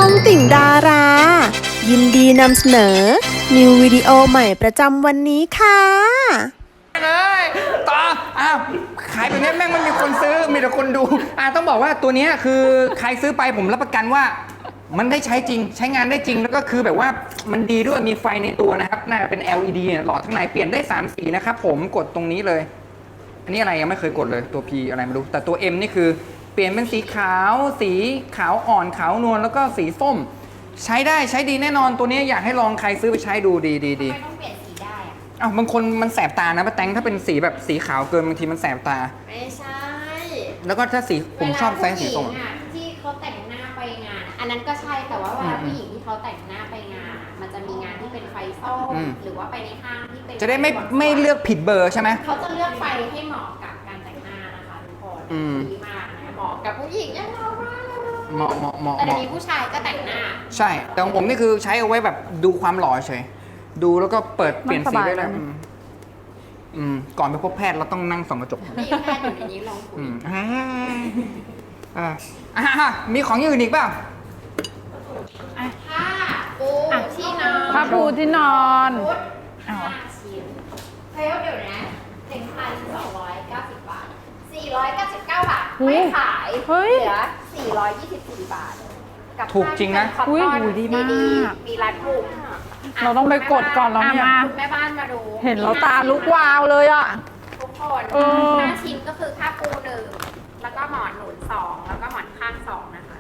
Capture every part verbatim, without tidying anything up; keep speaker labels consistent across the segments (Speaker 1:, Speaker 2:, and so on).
Speaker 1: องติ่งดารา ยินดีนำเสนอ นิววิดีโอใหม่ประจำวันนี้ค่ะ
Speaker 2: เลยต่ออ้าวขายตัวนี้แม่งไม่มีคนซื้อมีแต่คนดูอ่าต้องบอกว่าตัวนี้คือใครซื้อไปผมรับประกันว่า มันได้ใช้จริงใช้งานได้จริงแล้วก็คือแบบว่ามันดีด้วยมีไฟในตัวนะครับน่าจะเป็น แอล อี ดี หลอดข้างในเปลี่ยนได้สามสีนะครับผมกดตรงนี้เลยอันนี้อะไรยังไม่เคยกดเลยตัว P อะไรไม่รู้แต่ตัว M นี่คือเปลี่ยนเป็นสีขาวสีขาวอ่อนขาวนวลแล้วก็สีส้มใช้ได้ใช้ดีแน่นอนตัวนี้อยากให้ลองใครซื้อไปใช้ดูดีดีดี
Speaker 3: ทำไมต้องเปลี่ยนสีได้อะ
Speaker 2: อ้าวบางคนมันแสบตานะป้าแตงถ้าเป็นสีแบบสีขาวเกินบางทีมันแสบตา
Speaker 3: ไม่ใช่
Speaker 2: แล้วก็ถ้าสีผมชอบไซส์สีส้ม
Speaker 3: เวลาผู้หญิงอะที่เขาแต่งหน้าไปงานอะอันนั้นก็ใช่แต่ว่าเวลาผู้หญิงที่เขาแต่งหน้าไปงานอะมันจะมีงานที่เป็นไฟส้ม
Speaker 2: อืม
Speaker 3: หรือว่าไปในห้างที่เป็น
Speaker 2: จะได้ไม่ไม่เลือกผิดเบอร์ใช่ไหม
Speaker 3: เขาจะเลือกไฟให้เหมาะกับการแต่งหน้านะคะทุกคน
Speaker 2: อืม
Speaker 3: ดีมากนะเหมาะกับผู้หญิงอย่างเรามาก
Speaker 2: เหมาะเหมาะเหมาะ
Speaker 3: แต่
Speaker 2: เห
Speaker 3: เดี๋ยว
Speaker 2: มาะ
Speaker 3: นี้ผู้ชายก็แต่งหน้า
Speaker 2: ใช่แต่ของผมนี่คือใช้เอาไว้แบบดูความหล่อเฉยดูแล้วก็เปิดเปลี่ยนสีได้เลยอืมอืมก่อนไปพบแพทย์เราต้องนั่งส่องกระจก
Speaker 3: นี่แค่อยู่ในนี้ลองคุย
Speaker 2: อืมอ่าอ่าอ่ามีของอย่างอื่นอีกเปล่า
Speaker 3: ผ้าปูที่นอน
Speaker 4: ผ้าปูที่นอน
Speaker 3: ชุด
Speaker 4: อ้าว
Speaker 3: ห้าชิ้นเฮ้ยเดี๋ยวนะหนึ่งพันสองร้อยเก้าสิบบาทสี่ร้อยเก้าสิบเก้าบาท
Speaker 4: อุ๊ย
Speaker 3: ไม่ขาย
Speaker 4: เฮ้ย
Speaker 3: เหลือสี่ร้อยยี่สิบสี่บาท กับ
Speaker 2: ถูกจริงนะ
Speaker 3: ผ้า
Speaker 4: อุ๊ย
Speaker 3: ที่เป็น
Speaker 4: หูดีมาก
Speaker 3: ๆมีร้านถูก
Speaker 4: เราต้องไปกดก่อนแล้วเนี่ย
Speaker 3: อ่ะมาคุณแม่บ้านมาดู
Speaker 4: เห็นแล้วตาลุกวาวเลยอ่ะ
Speaker 3: ทุกคน
Speaker 4: เออ
Speaker 3: ห้าชิ้นก็คือผ้าปูหนึ่งแล้วก็หมอนหนุนสองแล้วก็หมอนข้างสองนะคะ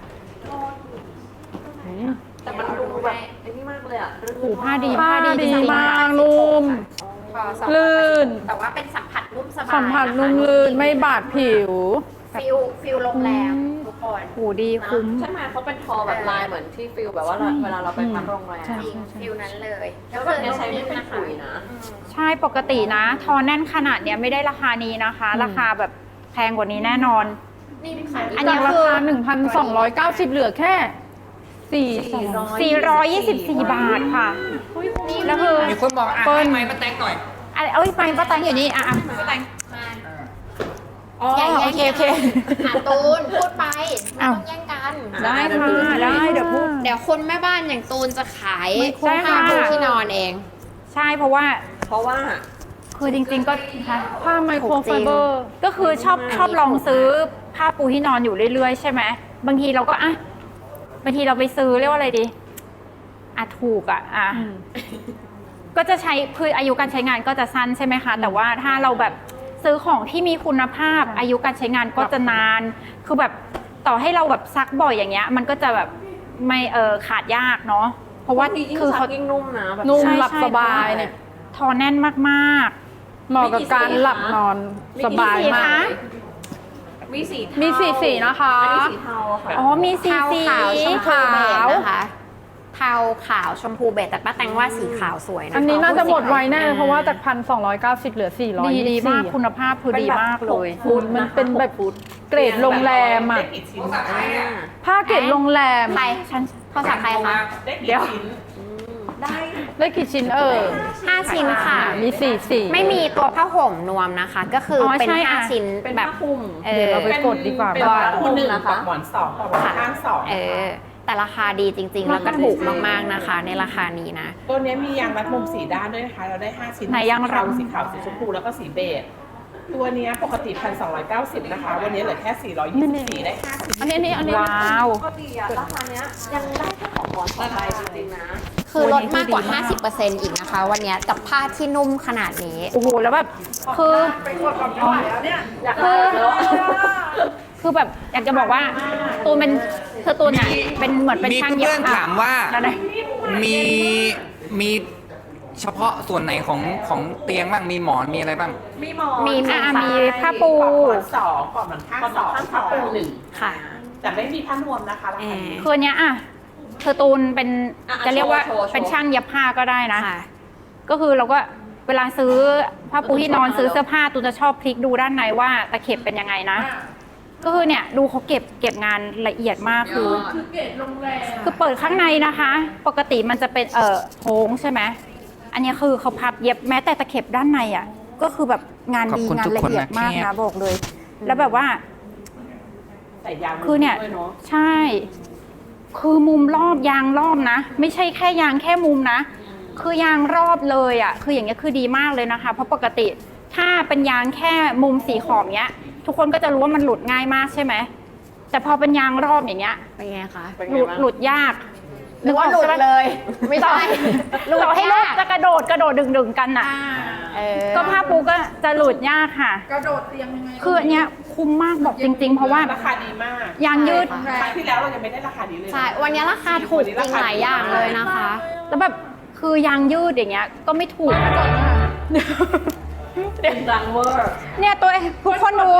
Speaker 5: แต่มันดูแบบไอ้นี่มากเลยอ่ะ
Speaker 4: หูผ้าดี
Speaker 3: ผ้า
Speaker 4: ผ้า
Speaker 3: ดี
Speaker 4: ดี
Speaker 3: จริงๆ
Speaker 4: มากนุ่ม
Speaker 3: พอสอง
Speaker 4: ลื่น
Speaker 3: แต่ว่าเป็นสัมผัสนุ่มสบาย
Speaker 4: สัมผัส
Speaker 3: ะคะ
Speaker 4: นุ่มลื่นไม่บาดผิว
Speaker 3: ฟิลฟิลโรงแรมทุกคน
Speaker 4: หูดีคุ้ม
Speaker 5: ใช่ไหมเขาเป็นทอแบบลายเหมือนที่ฟิลแบบว่าเราเวลาเราไปพักโรงแรม
Speaker 4: ใช่
Speaker 3: จริงฟิลนั้นเลย
Speaker 5: แล้วแบบเนี้ยใช้ไม่เป็นปุ๋ยนะ
Speaker 4: ใช่ปกตินะ ทอแน่นขนาดเนี้ยไม่ได้ราคานี้นะคะ ราคาแบบแพงกว่านี้แน่นอน
Speaker 3: นี่เป็นขาย
Speaker 4: อันนี้ราคา หนึ่งพันสองร้อยเก้าสิบ เหลือแค่สี่สี่ร้อยยี่สิบสี่บาทค่ะแล้วคือ
Speaker 2: มีคนบอกอ่ะ
Speaker 4: เปิ้ล
Speaker 2: ให้ไม้ป้าแตงหน่อย
Speaker 4: อ่ะเอ้ยไปป้าแตงอยู่นี่อ่ะอ่ะ
Speaker 3: ป้าแตงมา
Speaker 4: อ๋อ
Speaker 3: อย่า
Speaker 4: โอ
Speaker 3: แย่ง
Speaker 4: เคโอเค
Speaker 3: หาตูนพูดไปไม่
Speaker 4: อ้าว
Speaker 3: ต้องแย่งกัน
Speaker 4: ได้ค่ะได้เดี๋ยวพูด
Speaker 3: เดี๋ยวคนแม่บ้านอย่างตูนจะขาย
Speaker 4: ใช่ค่ะ
Speaker 3: ผ้าปูที่นอนเอง
Speaker 4: ใช่เพราะว่า
Speaker 5: เพราะว่า
Speaker 4: คือจริงๆก็ค่ะ
Speaker 5: ผ้าไมโครไฟเบอร์
Speaker 4: ก็คือชอบชอบลองซื้อผ้าปูที่นอนอยู่เรื่อยๆใช่ไหมบางทีเราก็อ่ะบางทีเราไปซื้อเรียกว่าอะไรดีอ่ะถูกอ่ะอ่ะก็จะใช้คืออายุการใช้งานก็จะสั้นใช่ไหมคะแต่ว่าถ้าเราแบบซื้อของที่มีคุณภาพ อายุการใช้งานก็จะนาน คือแบบต่อให้เราแบบซักบ่อยอย่างเงี้ย มันก็จะแบบไม่เออขาดยากเนาะเพราะว่า
Speaker 5: ยิ่ง
Speaker 4: คือ
Speaker 5: ซั
Speaker 4: เขา
Speaker 5: กยิ่งนุ่มนะแบบ
Speaker 4: นุ่ม
Speaker 5: ใช่
Speaker 4: หลับ
Speaker 5: ใช่
Speaker 4: สบายเนี่ยทอแน่นมากๆ เหมาะกับการหลับนอนสบายมาก
Speaker 5: มีสีเทา
Speaker 4: มีสีสีนะคะ
Speaker 5: อันนี้สีเทาอะค่ะ
Speaker 4: อ๋อมีสี
Speaker 3: เทา
Speaker 4: สี
Speaker 3: ขาวชมพู
Speaker 4: ขา
Speaker 3: เบจ
Speaker 4: ว
Speaker 3: นะคะเทาขาวชมพูเบจแต่ป้าแตงว่าสีขาวสวยนะ
Speaker 6: อันนี้น่าจะหมดไวแน่
Speaker 3: อ่
Speaker 6: เพราะว่าจากพันสองร้อยเก้าสิบเหลือสี่ร้อย
Speaker 4: ดีดีมาก
Speaker 6: คุ
Speaker 4: คุณ ณภาพคือดีมากเลย
Speaker 6: ฟุตมันเป็นแบบเกรดโรงแรมอ่ะ
Speaker 5: ได้กี่ชิ้นอ่ะ
Speaker 6: ผ้าเกรดโรงแรม
Speaker 3: ใครฉันภาษาใครคะ
Speaker 4: เดี๋ยว
Speaker 5: ได้
Speaker 6: ได้กี่ชิ้นเออ
Speaker 3: ห้าชิ้นค่ะ
Speaker 6: มีสี่สี่
Speaker 3: ไม่มีตัวผ้าห่มนวมนะคะ ก็คืออ
Speaker 4: อ
Speaker 3: เป็น
Speaker 4: ใช่
Speaker 3: ห้า
Speaker 4: อ่ะ
Speaker 3: ชิ้น
Speaker 5: เป็น
Speaker 3: แบ
Speaker 5: ผ้า
Speaker 3: บ
Speaker 5: คลุม
Speaker 3: เอ
Speaker 6: เดี๋ยว
Speaker 3: อ
Speaker 6: เราไปกดดีกว่า
Speaker 5: เป็น
Speaker 6: ว่า
Speaker 5: ผ้าหนึ่งกับหมอนสองกับหมอนข้างสอง
Speaker 3: เออ แต่ราคาดีจริง ๆ แล้วก็ถูกมากๆนะคะ ในราคานี้นะ
Speaker 7: ตัวเนี้ยมียางรัดมุมสีด้านด้วยนะคะ เราได้ ห้า ชิ้น
Speaker 4: ไหนยางรัด
Speaker 7: สีขาวสีชมพูแล้วก็สีเบจตัวเนี้ยปกติ หนึ่งพันสองร้อยเก้าสิบ นะคะ วันนี้เหลือแค่ สี่ร้อยยี่สิบสี่ ได้ ห้า ชิ้น
Speaker 6: อันนี้อันนี้อันนี้
Speaker 4: ว้าว
Speaker 5: ก็ดีอะราคาเนี้ยยังได้แค่ของหมอนสองใบจริงๆนะ
Speaker 3: คือลดมากกว่า ห้าสิบเปอร์เซ็นต์ อีกนะคะ วันนี้กับผ้าที่นุ่มขนาดนี้
Speaker 4: โอ้โหแล้วแบบคือคือคือแบบอยากจะบอกว่าตูนเป็นคือตูนอ่ะเป็นเหมือนเป็น
Speaker 2: มี
Speaker 4: ช่างเย็บ
Speaker 2: เพื่อนๆถามว่า
Speaker 4: อะไร
Speaker 2: มีมีเฉพาะส่วนไหนของของเตียงบ้างมีหมอนมีอะไรบ้าง
Speaker 5: มีหมอน
Speaker 4: มี
Speaker 5: ค่ะ
Speaker 4: อ่ะมีผ้าปู
Speaker 7: ปลอกหมอนสองปลอกหมอนข้างสอง
Speaker 5: ปลอกหมอนข้างส
Speaker 7: ผ้า
Speaker 5: อง
Speaker 7: ปูหนึ่ง
Speaker 3: ค่ะ
Speaker 7: แต่ไม่มีผ้านวมนะคะรา
Speaker 3: เอ
Speaker 7: คา
Speaker 3: อ
Speaker 7: นี้
Speaker 4: คืออนเนี้ยอ่ะคือตูนเป็น
Speaker 5: อ่ะ
Speaker 4: จะเรียกว่า
Speaker 5: โชว์โชว์
Speaker 4: เป็นช่างเย็บผ้าก็ได้นะ
Speaker 3: ค่ะ
Speaker 4: ก็คือเราก็เวลาซื้อผ้าปูที่นอนซื้อเสื้อผ้าตูนจะชอบพลิกดูด้านในว่าตะเข็บเป็นยังไงนะ ก็คือเนี่ยดูเขาเก็บเก็บงานละเอียดมากคือคือเปิดข้างในนะคะ ปกติมันจะเป็นเอ่อโค้งใช่ไหมอันนี้คือเขาพับเย็บแม้แต่ตะเข็บด้านในอ่ะก็คือแบบงานดี
Speaker 2: ขอบคุณ
Speaker 4: งาน
Speaker 2: ทุก
Speaker 4: ละ
Speaker 2: คน
Speaker 4: เอียด
Speaker 2: นะ
Speaker 4: มาก
Speaker 2: แค
Speaker 4: นะ
Speaker 2: บ
Speaker 4: บอกเลย แล้วแบบว่า
Speaker 7: ใส่ยาง
Speaker 4: คือเนี่ย
Speaker 7: ด้วยเนาะ
Speaker 4: ใช่คือมุมรอบยางรอบนะ ไม่ใช่แค่ยางแค่มุมนะ คือยางรอบเลยอ่ะคืออย่างเงี้ยคือดีมากเลยนะคะ เพราะปกติถ้าเป็นยางแค่มุมสีขอบเนี้ย ทุกคนก็จะรู้ว่ามันหลุดง่ายมากใช่ไหมแต่พอเป็นยางรอบอย่างเงี้ย
Speaker 3: เป็นไงคะ
Speaker 4: หลุดหลุดยาก
Speaker 3: หรือว่าหลุดเลย ไม่ใช่
Speaker 4: หลุดให้ลูกจะกระโดดกระโดดดึงดึงๆกันน่ะ
Speaker 3: เออ
Speaker 4: ก็ผ้าปูก็จะหลุดยากค่ะ กระโดดเตียงยังไงคืออันเนี้ยคุ้มมากบอกจริง ๆ เพราะว่า
Speaker 7: ราคาดีมาก
Speaker 4: ยางยืด
Speaker 3: ใช่
Speaker 7: ครั้งที่แล้วเรายังไม่ได้ราคานี้เลยนะ
Speaker 3: ใช่ วันนี้ราคาถูกจริงหลายอย่างเลยนะคะ
Speaker 4: แล้วแบบคือยางยืดอย่างเงี้ยก็ไม่ถูก
Speaker 5: เป็นดังเวอร์
Speaker 4: เนี่ยตัวเองทุกคนดู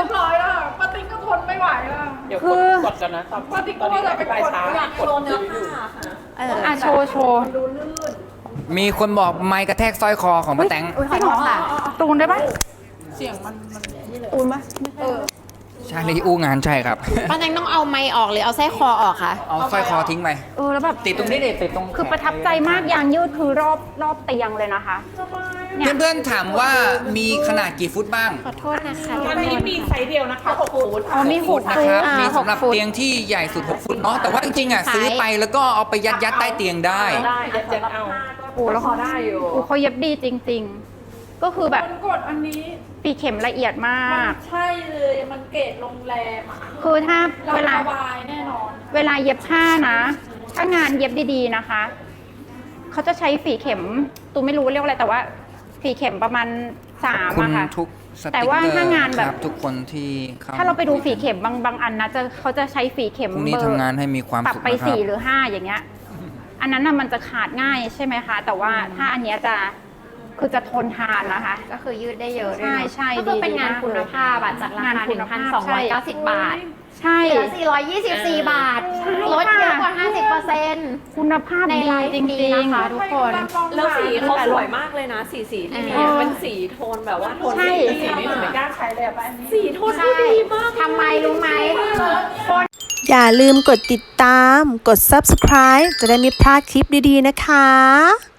Speaker 7: เดี๋ยว
Speaker 4: คื
Speaker 7: ก
Speaker 4: อ
Speaker 7: ดกดกันนะตอนตอนนี้อธิบายช้ากดซื้ออยู่
Speaker 3: เออ
Speaker 4: อ่ะโชว์โชว์
Speaker 2: มีคนบอกไม้กระแทกสร้อยคอของป้าแตง
Speaker 3: อุ้ยขอโทษค่ะ
Speaker 4: ตูนได้ปะ
Speaker 6: ปูนปะ
Speaker 2: ใช่เลยอู้งานใช่ครับ
Speaker 3: ป้าแตงต้องเอาไม้ออกหรือเอาไส้คอออกคะ
Speaker 2: เอาสร้อยคอทิ้งไป
Speaker 4: เออแล้วแบบ
Speaker 2: ติดตรงนี้เด็ดติดตรง
Speaker 4: คือประทับใจมากยางยืดคือรอบรอบเตียงเลยนะคะเนี่ย
Speaker 2: เพื่อนๆถามว่ามีขนาดกี่ฟุตบ้าง
Speaker 3: ขอโทษนะคะ
Speaker 7: วันนี้มีไซส์เดียวนะคะหกฟุต
Speaker 4: อ๋อมีหก
Speaker 2: นะ
Speaker 4: ฟุ
Speaker 2: ค
Speaker 4: ต
Speaker 2: รับ
Speaker 4: อ่า
Speaker 2: มี
Speaker 4: ห
Speaker 2: สำ
Speaker 4: ก
Speaker 2: หรับ
Speaker 4: ฟุต
Speaker 2: เตียงที่ใหญ่สุดหกฟุตเนาะแต่ว่าจริงๆอ่ะซื้อไปแล้วก็เอาไปยัดยัดใต้เตียงได้
Speaker 5: ได้ยัดยัดเอา
Speaker 4: โอ้แล้ว
Speaker 5: พอได้อยู่
Speaker 4: โอ้เขาเย็บดีจริง ๆ ก็คือแบบ
Speaker 6: กดอันนี้
Speaker 4: ปีเข็มละเอียดมาก
Speaker 6: ใช่เลยมันเกรดโรงแรมอ่ะ
Speaker 4: คือถ้า
Speaker 6: เรา
Speaker 4: เวลา
Speaker 6: สบายแน่นอน
Speaker 4: เวลาเย็บผ้านะ ถ้างานเย็บดีๆนะคะ เขาจะใช้ฝีเข็ม ตูไม่รู้เรียกว่าอะไร แต่ว่าฝีเข็มประมาณสาม
Speaker 2: คุณ
Speaker 4: อะค่ะ
Speaker 2: ทุกส
Speaker 4: แต่
Speaker 2: ติ๊ก
Speaker 4: ว่า
Speaker 2: เกอร์
Speaker 4: ถ้างานแบบ
Speaker 2: ครับทุกคนที่เข้
Speaker 4: ถ้าเราไปดูฝีเข็มบางบางอันนะจะเขาจะใช้ฝีเข็ม
Speaker 2: พรุ่งนี้
Speaker 4: เบอ
Speaker 2: ทำ
Speaker 4: ร์
Speaker 2: งานให้มีความ
Speaker 4: ปรับ
Speaker 2: สุข
Speaker 4: ไป
Speaker 2: นะครับ
Speaker 4: สี่หรือห้าอย่างเงี้ย อันนั้นน่ะมันจะขาดง่ายใช่ไหมคะ แต่ว่าถ้าอันเนี้ยจะคือจะทนทานนะคะ
Speaker 3: ก็คือยืดได้เยอะด้วย
Speaker 4: ใช่
Speaker 3: เนอะ
Speaker 4: ใช่
Speaker 3: ก็คือเป็น
Speaker 4: ดี
Speaker 3: งาน
Speaker 4: มาก
Speaker 3: คุณ
Speaker 4: เลย
Speaker 3: ภาพอะจากราคาง
Speaker 4: านคุณภาพ
Speaker 3: หนึ่งพันสองร้อยเก้าสิบบาท
Speaker 4: ใช่
Speaker 3: เหลือสี่ร้อยยี่สิบสี่บาท ลดเยอะกว่า ห้าสิบเปอร์เซ็นต์
Speaker 4: คุณภาพ
Speaker 3: ใน
Speaker 4: ดี
Speaker 3: ไลฟ์
Speaker 4: จ
Speaker 3: ดี
Speaker 4: ริง
Speaker 3: นะคะ
Speaker 4: ๆ
Speaker 3: ทุกคน
Speaker 5: แล้วสีเขาสวยมากเลยนะ สีสีที่มี
Speaker 4: เออ
Speaker 5: เป็นสีโทนแบบว่าโทน
Speaker 4: ใช่
Speaker 5: สี
Speaker 7: สีนี้หนูไม่กล้าใช้เลยอะป้าอันนี้
Speaker 5: สีโทนที่ดีมาก
Speaker 3: ทำไมรู้ไหม
Speaker 1: อย่าลืมกดติดตาม กด ซับสไครบ์ จะได้ไม่พลาดคลิปดีๆนะคะ